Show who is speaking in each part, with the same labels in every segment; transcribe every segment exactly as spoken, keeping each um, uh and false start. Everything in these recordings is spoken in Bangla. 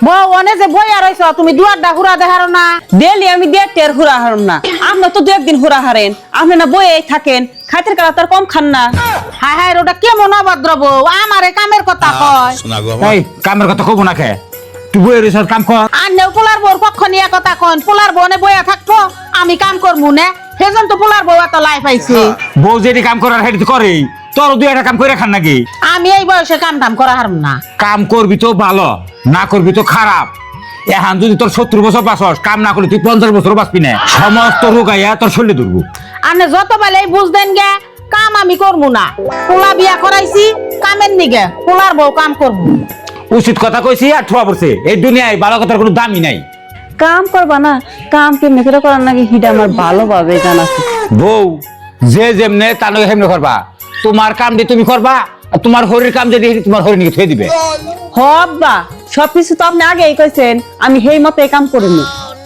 Speaker 1: বউ অনে যে বই আর হইছ তুমি দুয়ারটা হুরা দেখারো না।
Speaker 2: ডেলি আমি দেড় টের হুরা হারম না, আপনি তো দু একদিন হুরা হারেন, আপনি না বইয়েই থাকেন, খাইতের কালা তার কম খান না।
Speaker 1: হায় হায় ওটা কেমন অভদ্র বউ, আমারে কামের কথা কয়।
Speaker 3: এই কামের কথা কব না খে, তুই বইয়ের রিসার্চ কাম কর।
Speaker 1: আর নেও পোলার বউর পক্ষ নিয়ে কথা কন, পোলার বউ নে বইয়া থাকবো আমি কাম করবো না, সেজন তো পোলার বউ এত লাই পাইছে।
Speaker 3: বউ যেটি কাম করার হেঁটে করেই, তোর দুই একটা কাম করে খান নাকি?
Speaker 1: আমি এই বয়সে কাম টাম করা হারম না।
Speaker 3: কাম করবি তো ভালো, না করবি তো খারাপ। এখন যদি তোর সত্তর বছর বাঁচস, কাম না করলে তুই পঞ্চাশ বছর বাঁচবি না, সমস্ত রোগ আইয়া তোর শরীরে ধরবো।
Speaker 1: আনে যত বেলে বুঝদেন গে কাম আমি করবো না, পোলা বিয়া করাইছি কামের নিগে, পোলার বউ কাম করবো।
Speaker 3: উচিত কথা কইছি আর ঠোয়া পড়ছে, এই দুনিয়ায় ভালো কথার কোনো দামই নাই।
Speaker 2: কাম করবা না, কাম কেমনে করে করার নাকি হিটা আমার ভালোভাবে জানা আছে।
Speaker 3: বউ যে যেমনে তা নয় হেমনে করবা, তোমার কাম দিয়ে তুমি করবা, আর তোমার হরির কাম যদি তোমার হরি নিয়ে থুয়ে দিবে।
Speaker 2: হব্বা সবকিছু তো আপনি আগেই কইছেন, আমি সেই মতো কাম করিনি।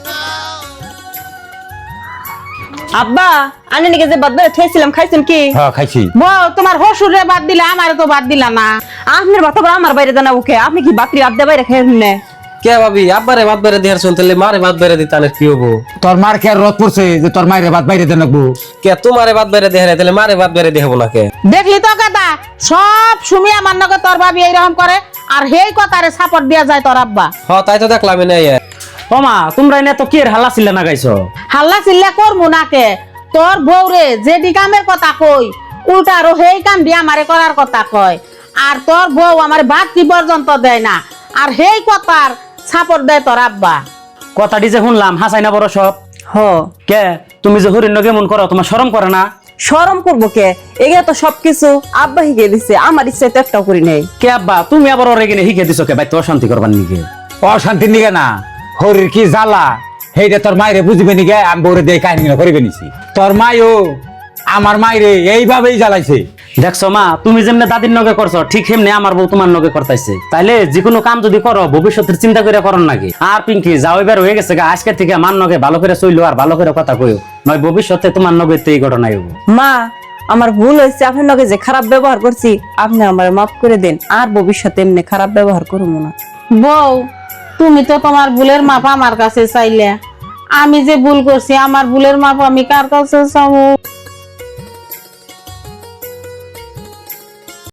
Speaker 2: আব্বা আমি নাকি যে বাদ দিয়ে থইছিলাম খাইছেন কি?
Speaker 3: হ্যাঁ খাইছি।
Speaker 1: বউ তোমার হসুরে বাদ দিলা, আমারে তো বাদ দিলা না।
Speaker 2: আপনার বাতা আমার বাইরে জানা ওকে, আপনি কি বাকরি আড্ডা বাইরে খেয়ে নে?
Speaker 4: কে ভাবি আব্বারে ভাত বেড়ে দেহার শুনতে মারে ভাত বেড়ে দিতে আনে কি হবো?
Speaker 3: তোর মার কে আর রদ পড়ছে যে তোর মায়ের ভাত বাইরে দেন লাগবো?
Speaker 4: কে তোমারে ভাত বেড়ে দেহারে তাহলে মারে ভাত বেড়ে দেখাবো না কে?
Speaker 1: দেখলি তো কথা, সব সুমিয়া মান্নকে তোর ভাবি এইরকম করে, আর হেই কথারে সাপোর্ট দিয়া যায় তোর আব্বা।
Speaker 4: হ তাই তো দেখলাম না।
Speaker 5: ওমা তোমরা এনে তো কি হাল্লা চিল্লা না গাইছো?
Speaker 1: হাল্লা চিল্লা করবো নাকে, তোর বউরে যেটি কামের কথা কই উল্টা আরো হেই কাম দিয়া আমারে করার কথা কয়, আর তোর বউ আমার ভাত কি পর্যন্ত দেয় না, আর হেই কথার সাপোর্ট দেয় তোর আব্বা।
Speaker 5: কথাটি যে শুনলাম হাসাই না বড় সব।
Speaker 2: হ
Speaker 5: কে তুমি যে হরিণ কেমন করো, তোমার শরম করে না?
Speaker 2: শরম করবো কে? এগুলো তো সবকিছু আব্বা শিখে দিছে, আমার ইচ্ছে তো একটাও করি নাই।
Speaker 5: কে আব্বা তুমি আবার ওরে কিনে শিখে দিছো কে? বাইতে অশান্তি করবার নিকে?
Speaker 3: অশান্তি নিগে না, হরির কি জ্বালা সেইটা তোর মায়েরে বুঝবে নিগে আমি বউরে দিয়ে কাহিনী করিবে নিছি। তোর মাইও আমার মায়েরে এইভাবেই জ্বালাইছে।
Speaker 5: দেখছো মা, তুমি যেমনে দাদির নগে করছো ঠিক সেমনি আমার বউ তোমার নগে করতেছে। তাইলে যে কোনো কাম যদি করো ভবিষ্যতের চিন্তা করে করো নাকি? আর পিঙ্কি যাও এবার হয়ে গেছে গা, আজকে থেকে আমার নগে ভালো করে চইলো আর ভালো করে কথা কইও, নয় ভবিষ্যতে তোমার নগে তো এই ঘটনাই হবো।
Speaker 2: মা আমার ভুল হয়েছে, আপনার লগে যে খারাপ ব্যবহার করছি আপনি আমার মাফ করে দেন, আর ভবিষ্যতে এমনি খারাপ ব্যবহার করবো না।
Speaker 1: বউ তুমি তো তোমার ভুলের মাপ আমার কাছে চাইলে, আমি যে ভুল করছি আমার ভুলের মাপ আমি কার কাছে চাবো?